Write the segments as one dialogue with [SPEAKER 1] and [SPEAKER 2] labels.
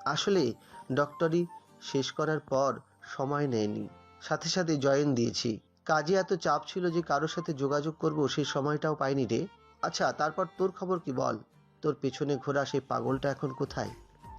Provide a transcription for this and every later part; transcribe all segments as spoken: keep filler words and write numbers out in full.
[SPEAKER 1] আসলে ডক্টরি শেষ করার পর সময় নেয়নি, সাথে সাথে জয়েন দিয়েছি। কাজে এত চাপ ছিল যে কারোর সাথে যোগাযোগ করব সেই সময়টাও পাইনি রে। আচ্ছা, তারপর তোর খবর কি বল? তোর পেছনে ঘোরা সেই পাগলটা এখন কোথায়?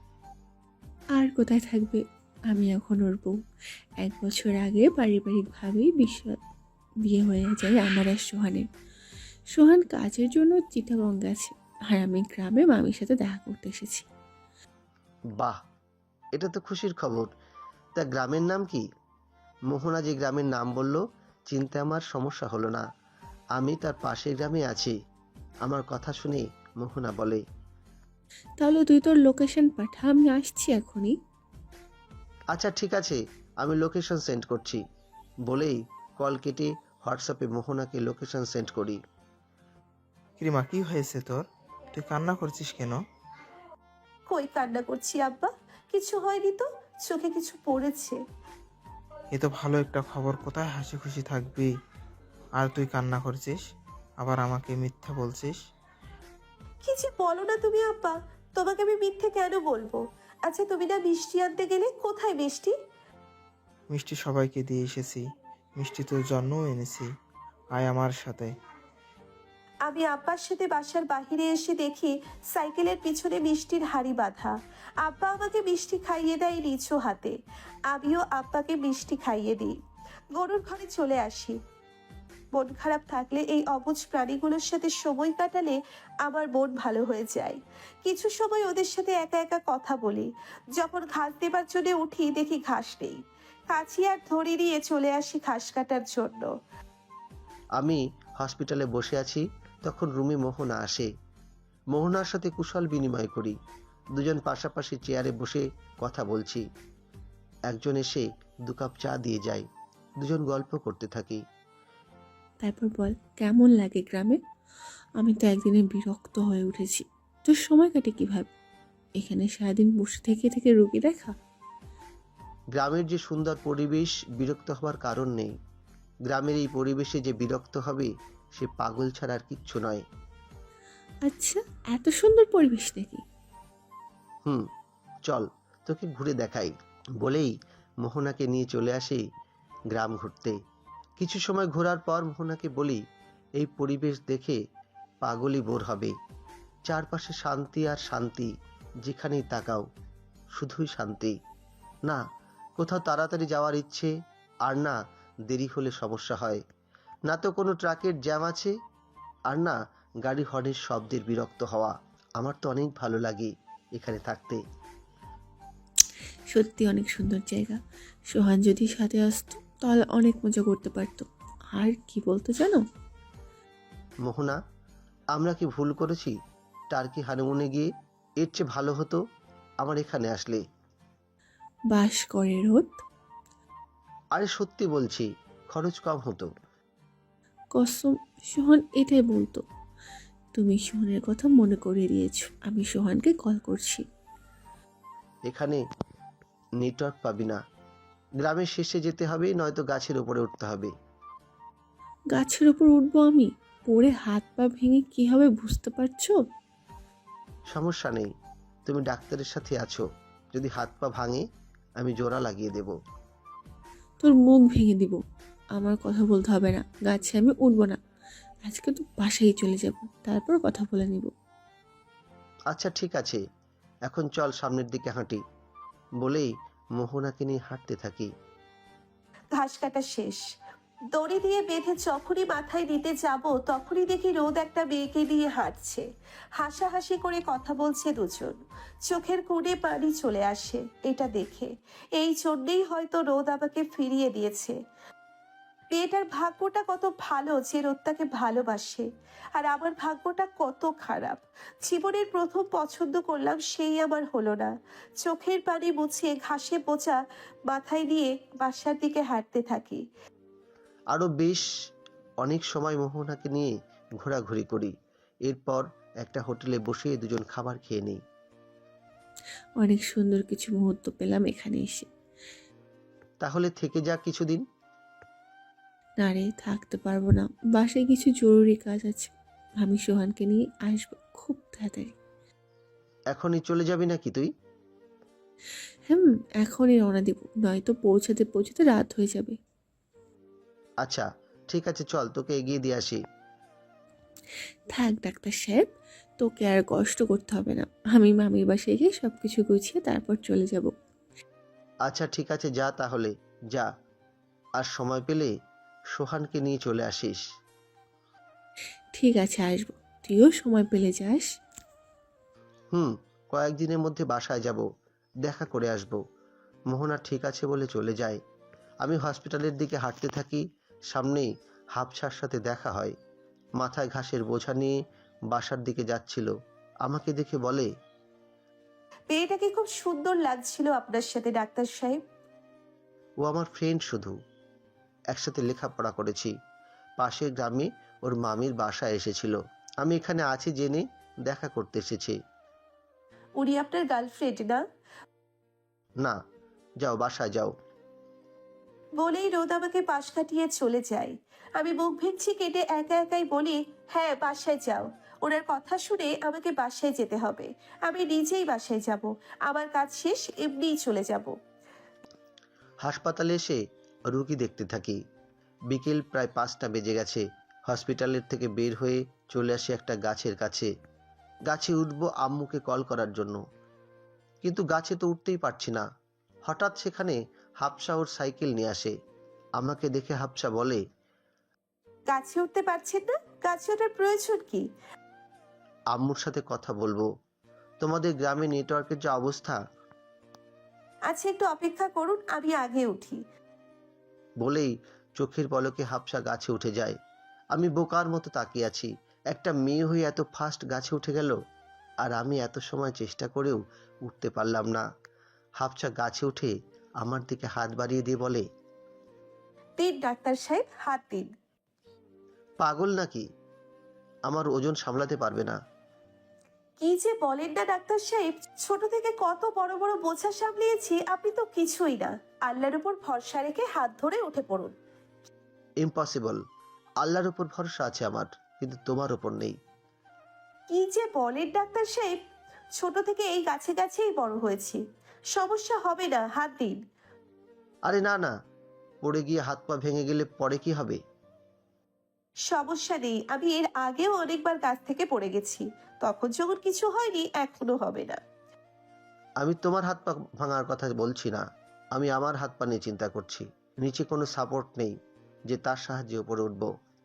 [SPEAKER 2] আর কোথায় থাকবে? আমি এখন ওর বউ। এক বছর আগে পারিবারিকভাবেই বিশ্ব বিয়ে হয়ে যায় আমার আর সোহানের। সোহান কাজের জন্য চিটাগং গেছে, আর আমি গ্রামে মামির সাথে দেখা করতে এসেছি।
[SPEAKER 1] বাহ, এটা তো খুশির খবর। তা গ্রামের নাম কি? মোহনা যে গ্রামের নাম বলল, চিনতে আমার সমস্যা হলো না। আমি তার পাশের গ্রামে আছি। আমার কথা শুনে মোহনা বলে,
[SPEAKER 2] তাহলে তুই তোর লোকেশন পাঠা, আমি আসছি এখনই।
[SPEAKER 1] আচ্ছা ঠিক আছে, আমি লোকেশন সেন্ড করছি। বলেই কল কেটে হোয়াটসঅ্যাপে মোহনাকে লোকেশন সেন্ড করি।
[SPEAKER 3] কিরিমা, কি হয়েছে তোর? তুই কান্না করছিস কেন?
[SPEAKER 4] কই কান্না করছি আব্বা? কিছু হয়নি তো, চোখে কিছু পড়েছে।
[SPEAKER 3] এ তো ভালো একটা খবর, কোথায় হাসি খুশি থাকবি আর তুই কান্না করছিস, আবার আমাকে মিথ্যা বলছিস।
[SPEAKER 4] কি যে বলো না তুমি আব্বা, তোমাকে আমি মিথ্যে কেন বলবো? আচ্ছা তুমি না মিষ্টি আনতে গেলে, কোথায় মিষ্টি?
[SPEAKER 3] মিষ্টি সবাইকে দিয়ে এসেছি, মিষ্টি তোর জন্যও এনেছি, আয় আমার সাথে।
[SPEAKER 4] আমি আব্বার সাথে বাসার বাহিরে এসে দেখি সাইকেলের পিছনে মিষ্টির হাড়ি বাঁধা। আব্বা আমাকে মিষ্টি খাইয়ে দেয় নিচু হাতে, আমিও আব্বাকে মিষ্টি খাইয়ে দিই। গরুর ঘরে চলে আসি। মন খারাপ থাকলে এই অবুঝ প্রাণীগুলোর সাথে সময় কাটালে আমার মন ভালো হয়ে যায়। কিছু সময় ওদের সাথে একা একা কথা বলি। যখন ঘাস দেবার জন্য উঠি দেখি ঘাস নেই। কাছি আর ধরে নিয়ে চলে আসি ঘাস কাটার জন্য।
[SPEAKER 1] আমি হসপিটালে বসে আছি, তখন রুমে মোহনা আসে। মোহনার সাথে কুশল বিনিময় করি। দুজন পাশাপাশি চেয়ারে বসে কথা বলছি। একজন এসে দু কাপ চা দিয়ে যায়। দুজন গল্প করতে থাকি।
[SPEAKER 2] তারপর বল, কেমন লাগে গ্রামে? আমি তো একদিনে বিরক্ত হয়ে উঠেছি। তোর সময় কাটে কিভাবে? এখানে সারাদিন বসে থেকে থেকে রুগী দেখা।
[SPEAKER 1] গ্রামের যে সুন্দর পরিবেশ, বিরক্ত হওয়ার কারণ নেই। গ্রামের এই পরিবেশে যে বিরক্ত হবে সে পাগল ছাড়া আর কিচ্ছু নয়।
[SPEAKER 2] আচ্ছা, এত সুন্দর পরিবেশ নাকি?
[SPEAKER 1] হুম, চল তোকে ঘুরে দেখাই। বলেই মোহনাকে নিয়ে চলে আসি গ্রাম ঘুরতে। কিছু সময় ঘোরার পর মোহনাকে বলি, এই পরিবেশ দেখে পাগলই বোর হবে। চারপাশে শান্তি আর শান্তি, যেখানেই তাকাও শুধুই শান্তি। না কোথাও তাড়াতাড়ি যাওয়ার ইচ্ছে, আর না দেরি হলে সমস্যা হয়, না তো কোনো ট্রাকের জ্যাম আছে, আর না গাড়ি হর্নের শব্দের বিরক্ত হওয়া। আমার তো অনেক ভালো লাগে এখানে থাকতে।
[SPEAKER 2] সত্যি অনেক সুন্দর জায়গা। সোহান যদি সাথে আসতো তাহলে অনেক মজা করতে পারতো। আর কি বলতো জানো?
[SPEAKER 1] মোহনা, আমরা কি ভুল করেছি? টার্কি হানিমুনে গিয়ে এর চেয়ে ভালো হতো আমার এখানে আসলে।
[SPEAKER 2] বাস করে রোদ।
[SPEAKER 1] আরে সত্যি বলছি, খরচ কম হতো।
[SPEAKER 2] কসম, সোহান এটাই বলতো। তুমি সোহানের কথা মনে করিয়ে দিয়েছো। আমি সোহানকে কল করছি।
[SPEAKER 1] এখানে নেটওয়ার্ক পাবি না। গ্রামের শেষে যেতে হবে, নয়তো গাছের উপরে উঠতে হবে।
[SPEAKER 2] গাছের ওপর উঠবো আমি? পড়ে হাত পা ভেঙে কি হবে বুঝতে পারছো?
[SPEAKER 1] সমস্যা নেই, তুমি ডাক্তারের সাথে আছো। যদি হাত পা ভাঙে আমি জোড়া লাগিয়ে দেব।
[SPEAKER 2] তোর মুখ ভেঙে দিব। আমার কথা বলতে হবে না, গাছে আমি উঠবো না। আজকে তো বাসায় চলে যাব, তারপর কথা বলে নিব।
[SPEAKER 1] আচ্ছা ঠিক আছে, এখন চল সামনের দিকে হাঁটি। বলেই মোহনাকে নিয়ে হাঁটতে থাকি।
[SPEAKER 4] ঘাস কাটা শেষ। দড়ি দিয়ে বেঁধে যখনই মাথায় নিতে যাব তখনই দেখি রোদ একটা মেয়েকে নিয়ে হাঁটছে। হাসাহাসি করে কথা বলছে দুজন। চোখের কোণে পানি চলে আসে এটা দেখে। এই জন্যেই হয়তো রোদ আমাকে ফিরিয়ে দিয়েছে। মেয়েটার ভাগ্যটা কত ভালো যে রোদ তাকে ভালোবাসে, আর আমার ভাগ্যটা কত খারাপ। জীবনের প্রথম পছন্দ করলাম, সেই আমার হলো না। চোখের পানি মুছে ঘাসে বোঝা মাথায় নিয়ে বাসার দিকে হাঁটতে থাকি।
[SPEAKER 1] আরও বেশ অনেক সময় মোহনাকে নিয়ে ঘোরাঘুরি করি। এরপর একটা হোটেলে বসে দুজন খাবার খেয়ে নিই।
[SPEAKER 2] অনেক সুন্দর কিছু মুহূর্ত পেলাম এখানে এসে।
[SPEAKER 1] তাহলে থেকে যা কিছুদিন।
[SPEAKER 2] না রে, থাকতে পারবো না। বাসায় কিছু জরুরি কাজ আছে। আমি সোহানকে নিয়ে আসবো খুব তাড়াতাড়ি।
[SPEAKER 1] এখনই চলে যাবি নাকি তুই?
[SPEAKER 2] হুম, এখনই রওনা দেব, নয়তো পৌঁছাতে পৌঁছাতে রাত হয়ে যাবে।
[SPEAKER 1] আচ্ছা ঠিক আছে, চল তোকে এগিয়ে দিয়ে আসি।
[SPEAKER 2] থাক ডাক্তার সাহেব, তোকে আর কষ্ট করতে হবে না। আমি মামির বাসায় গিয়ে সব কিছু গুছিয়ে তারপর চলে যাব।
[SPEAKER 1] আচ্ছা ঠিক আছে, যা তাহলে, যা। আর সময় পেলে সোহানকে নিয়ে চলে আসিস।
[SPEAKER 2] ঠিক আছে, আসবো। তুইও সময় পেলে যাস।
[SPEAKER 1] হুম, কয়েকদিনের মধ্যে বাসায় যাব, দেখা করে আসব। মোহনা ঠিক আছে বলে চলে যায়। আমি হসপিটালের দিকে হাঁটতে থাকি। সামনেই হাফসার সাথে দেখা হয়। মাথায় ঘাসের বোঝা নিয়ে বাসার দিকে যাচ্ছিল। আমাকে দেখে বলে,
[SPEAKER 4] মেয়েটাকে খুব সুন্দর লাগছিল আপনার সাথে ডাক্তার সাহেব।
[SPEAKER 1] ও আমার ফ্রেন্ড শুধু, একসাথে লেখাপড়া করেছি। পাশের গ্রামে ওর মামির বাসায় এসেছিল। আমি এখানে আছি জেনে দেখা করতে এসেছি।
[SPEAKER 4] উনি আপনার গার্লফ্রেন্ড না?
[SPEAKER 1] না, যাও বাসায় যাও।
[SPEAKER 4] বলেই রোদ আমাকে পাশ কাটিয়ে চলে যায়। আমি মুখ ভেঙচি কেটে একা একাই বলি, হ্যাঁ বাসায় যাও। ওনার কথা শুনে আমাকে বাসায় যেতে হবে। আমি নিজেই বাসায় যাব। আমার কাজ শেষ, এমনিই চলে যাব।
[SPEAKER 1] হাসপাতালে এসে রুগী দেখতে থাকি। বিকেল প্রায় পাঁচটা বেজে গেছে। হসপিটালের থেকে বের হয়ে চলে আসি একটা গাছের কাছে। গাছে উঠবো আম্মুকে কল করার জন্য, কিন্তু গাছে তো উঠতেই পারছি না। হঠাৎ সেখানে হাফসা ওর সাইকেল নিয়ে আসে। আমাকে দেখে হাফসা বলে,
[SPEAKER 4] গাছে উঠতে পারছেন না? গাছে ওঠার প্রয়োজন কি?
[SPEAKER 1] আম্মুর সাথে কথা বলবো। তোমাদের গ্রামে নেটওয়ার্কের যে অবস্থা।
[SPEAKER 4] আচ্ছা একটু অপেক্ষা করুন, আমি আগে উঠি।
[SPEAKER 1] বলেই চোখের পলকে হাফসা গাছে উঠে যায়। আমি বোকার মতো তাকিয়ে আছি। একটা মেয়ে হয়ে এত ফাস্ট গাছে উঠে গেল, আর আমি এত সময় চেষ্টা করেও উঠতে পারলাম না। হাফসা গাছে উঠে আমার দিকে হাত বাড়িয়ে দিয়ে বলে,
[SPEAKER 4] দিন ডাক্তার সাহেব, হাত দিন।
[SPEAKER 1] পাগল নাকি? আমার ওজন সামলাতে পারবে না।
[SPEAKER 4] কি যে বলেন না ডাক্তার সাহেব, ছোট থেকে কত বড় বড় বোঝা সামলিয়েছি, আপনি তো কিছুই না। আল্লাহর উপর ভরসা রেখে হাত ধরে উঠে পড়ুন।
[SPEAKER 1] ইম্পসিবল। আল্লাহর উপর ভরসা আছে আমার, কিন্তু তোমার উপর নেই।
[SPEAKER 4] কি যে বলেন ডাক্তার সাহেব, ছোট থেকে এই গাছে গাছেই বড় হয়েছি। সমস্যা হবে না, হাত দিন।
[SPEAKER 1] আরে না না, পড়ে গিয়ে হাত পা ভেঙে গেলে পরে কি হবে?
[SPEAKER 4] সমস্যা নেই, আমি এর আগেও অনেকবার গাছ থেকে পড়ে গেছি। তখন যখন কিছু হয়নি, এখনো হবে না।
[SPEAKER 1] আমি তোমার হাত পা ভাঙার কথা বলছি না, আমি আমার হাত পা নিয়ে চিন্তা করছি। নিচে কোনো সাপোর্ট নেই যে তার সাহায্যে উপরে উঠব।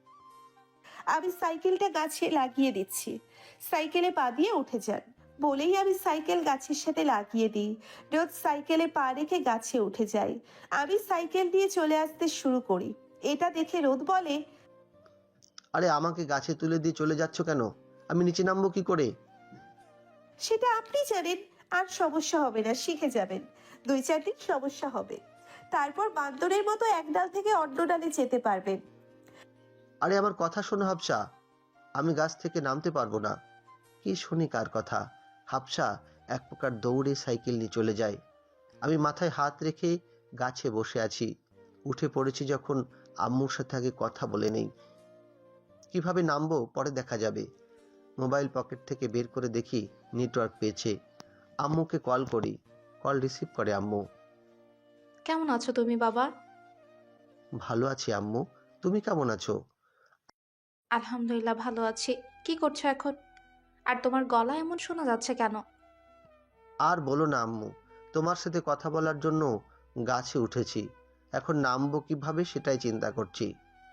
[SPEAKER 4] আমি সাইকেলটা গাছে লাগিয়ে দিচ্ছি, সাইকেলে পা দিয়ে উঠে যান। বলেই আমি সাইকেল গাছের সাথে লাগিয়ে দিই। রোদ সাইকেলে পা রেখে গাছে উঠে যায়। আমি সাইকেল দিয়ে চলে আসতে শুরু করি। এটা দেখে রোদ বলে,
[SPEAKER 1] আরে আমাকে গাছে তুলে দিয়ে চলে যাচ্ছ কেন? আমি নিচে নামবো কি করে?
[SPEAKER 4] সেটা আপনি জানেন। আর সমস্যা হবে না, শিখে যাবেন। দুই চার দিন সমস্যা হবে, তারপর বান্দরের মতো এক ডাল থেকে অন্য ডালে যেতে পারবেন।
[SPEAKER 1] আরে আমার কথা শোনো হাফসা, আমি গাছ থেকে নামতে পারবো না। কি শুনি কার কথা? হাফসা এক প্রকার দৌড়ে সাইকেল নিয়ে চলে যায়। আমি মাথায় হাত রেখে গাছে বসে আছি। উঠে পড়েছি যখন, আম্মুর সাথে আগে কথা বলে নেই। কিভাবে নামবো পরে দেখা যাবে। মোবাইল পকেট থেকে বের করে দেখি নেটওয়ার্ক পেয়েছে। আম্মুকে কল করি, কল রিসিভ করে আম্মু।
[SPEAKER 5] কেমন আছো তুমি বাবা?
[SPEAKER 1] ভালো আছি আম্মু, তুমি কেমন আছো?
[SPEAKER 5] আলহামদুলিল্লাহ ভালো আছি। কি করছো এখন? আর তোমার গলা এমন শোনা যাচ্ছে কেন?
[SPEAKER 1] আর বলো না আম্মু, তোমার সাথে কথা বলার জন্য গাছে উঠেছি। এখন নামবো কিভাবে সেটাই চিন্তা করছি।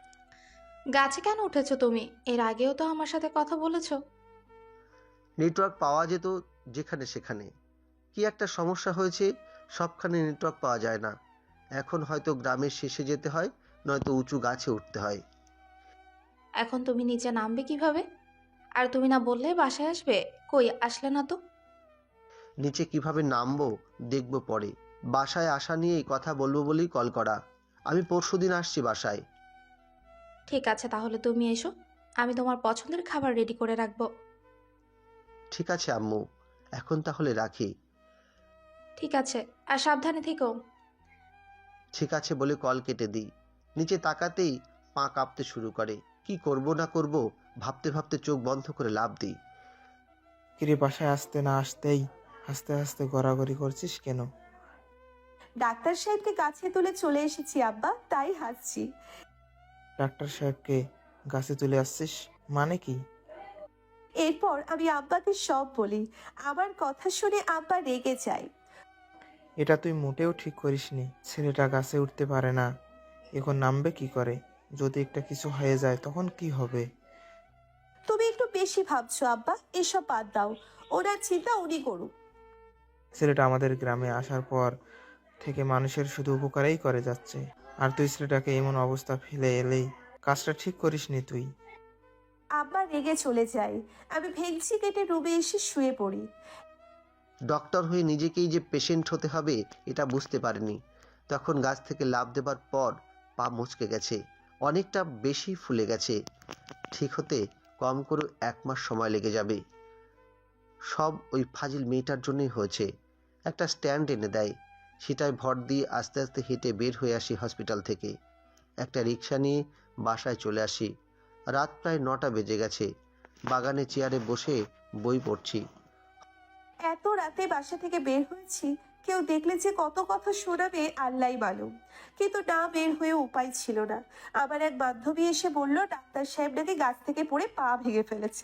[SPEAKER 5] গাছে কেন উঠেছো তুমি? এর আগেও তো আমার সাথে কথা বলেছো।
[SPEAKER 1] নেটওয়ার্ক পাওয়া যেত যেখানে সেখানে। কি একটা সমস্যা হয়েছে, সবখানে নেটওয়ার্ক পাওয়া যায় না। এখন হয়তো গ্রামের শেষে যেতে হয়, নয়তো উঁচু গাছে উঠতে হয়।
[SPEAKER 5] এখন তুমি নিচে নামবে কিভাবে? আর তুমি না বললে বাসায় আসবে, কই আসলে না তো?
[SPEAKER 1] নিচে কিভাবে নামবো দেখবো পরে। বাসায় আসা নিয়েই কথা বলবো বলেই কল করা। আমি পরশুদিন আসছি বাসায়।
[SPEAKER 5] ঠিক আছে তাহলে তুমি এসো, আমি তোমার পছন্দের খাবার রেডি করে রাখবো।
[SPEAKER 1] ঠিক আছে আম্মু, এখন তাহলে রাখি।
[SPEAKER 5] ঠিক আছে, আর সাবধানে থেকো।
[SPEAKER 1] ঠিক আছে বলে কল কেটে দিই। নিচে তাকাতেই পা কাঁপতে শুরু করে। কি করব না করব ভাবতে ভাবতে চোখ বন্ধ করে লাফ দিই।
[SPEAKER 3] কিরে বাসায় আসতে না আসতেই হাসতে হাসতে গড়াগড়ি করছিস কেন?
[SPEAKER 4] ডাক্তার সাহেবকে কাছে তুলে চলে এসেছি আব্বা, তাই হাসছি।
[SPEAKER 3] ডাক্তার সাহেবকে গাছে তুলে আসছিস মানে কি?
[SPEAKER 4] এরপর আমি আব্বাকে সব বলি। আমার কথা শুনে আব্বা রেগে যায়।
[SPEAKER 3] এটা তুই মোটেও ঠিক করিসনি। ছেলেটা গাছে উঠতে পারে না, এখন নামবে কি করে? যদি একটা কিছু হয়ে যায় তখন কি হবে?
[SPEAKER 4] তুমি একটু বেশি ভাবছো আব্বা, এসব বাদ দাও। ওনার চিন্তা উনি করুক।
[SPEAKER 3] ছেলেটা আমাদের গ্রামে আসার পর থেকে মানুষের শুধু উপকারই করে যাচ্ছে, আর তুই ছেলেটাকে এমন অবস্থা ফেলে এলেই কাজটা ঠিক করিসনি তুই।
[SPEAKER 4] আব্বা রেগে চলে যায়। আমি ভেঙচি কেটে রুমে এসে শুয়ে পড়ি।
[SPEAKER 1] ডক্টর হয়ে নিজেকেই যে পেশেন্ট হতে হবে এটা বুঝতে পারেনি। তখন গাছ থেকে লাফ দেবার পর পা মুচকে গেছে, অনেকটা বেশি ফুলে গেছে। ঠিক হতে কম করে এক মাস সময় লেগে যাবে। সব ওই ফাজিল মেয়েটার জন্যই হয়েছে। একটা স্ট্যান্ড এনে দেয়, সেটায় ভর দিয়ে আস্তে আস্তে হেঁটে বের হয়ে আসি হসপিটাল থেকে। একটা রিক্সা নিয়ে বাসায় চলে আসি। রাত প্রায় নটা বেজে গেছে। বাগানে চেয়ারে বসে বই পড়ছি।
[SPEAKER 4] এত রাতে বাসা থেকে বের হয়েছি, কেউ দেখলে যে কত কথা শোনাবে আল্লাহই মালুম। কিন্তু না বের হয়ে উপায় ছিল না। আমার এক বান্ধবী এসে বলল ডাক্তার সাহেব নাকি গাছ থেকে পড়ে পা ভেঙে ফেলেছে।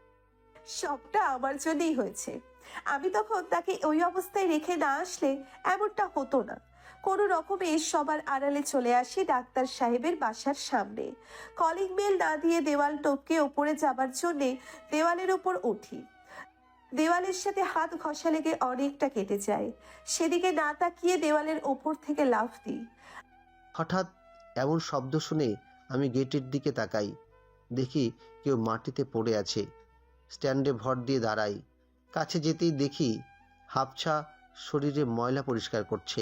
[SPEAKER 4] সবটা আমার জন্যই হয়েছে। আমি তখন তাকে ওই অবস্থায় রেখে না আসলে এমনটা হতো না। কোনো রকমে সবার আড়ালে চলে আসি ডাক্তার সাহেবের বাসার সামনে। কলিং বেল না দিয়ে দেওয়াল টপকে ওপরে যাবার জন্যে দেওয়ালের ওপর উঠি। দেওয়ালের সাথে হাত ঘষা লেগে অনেকটা কেটে যায়। সেদিকে না তাকিয়ে দেওয়ালের ওপর থেকে লাফ দিই।
[SPEAKER 1] হঠাৎ এমন শব্দ শুনে আমি গেটের দিকে তাকাই। দেখি কেউ মাটিতে পড়ে আছে। স্ট্যান্ডে ভর দিয়ে দাঁড়াই। কাছে যেতেই দেখি হাফছা শরীরে ময়লা পরিষ্কার করছে।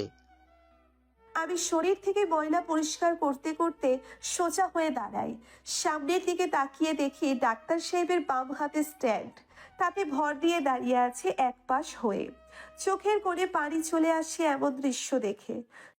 [SPEAKER 4] আমি শরীর থেকে ময়লা পরিষ্কার করতে করতে সোজা হয়ে দাঁড়াই। সামনের দিকে তাকিয়ে দেখি ডাক্তার সাহেবের বাম হাতে স্ট্যান্ড, তাতে ভর দিয়ে দাঁড়িয়ে আছে এক পাশ হয়ে। চোখের কোণে পানি চলে আসে এমন দৃশ্য দেখে।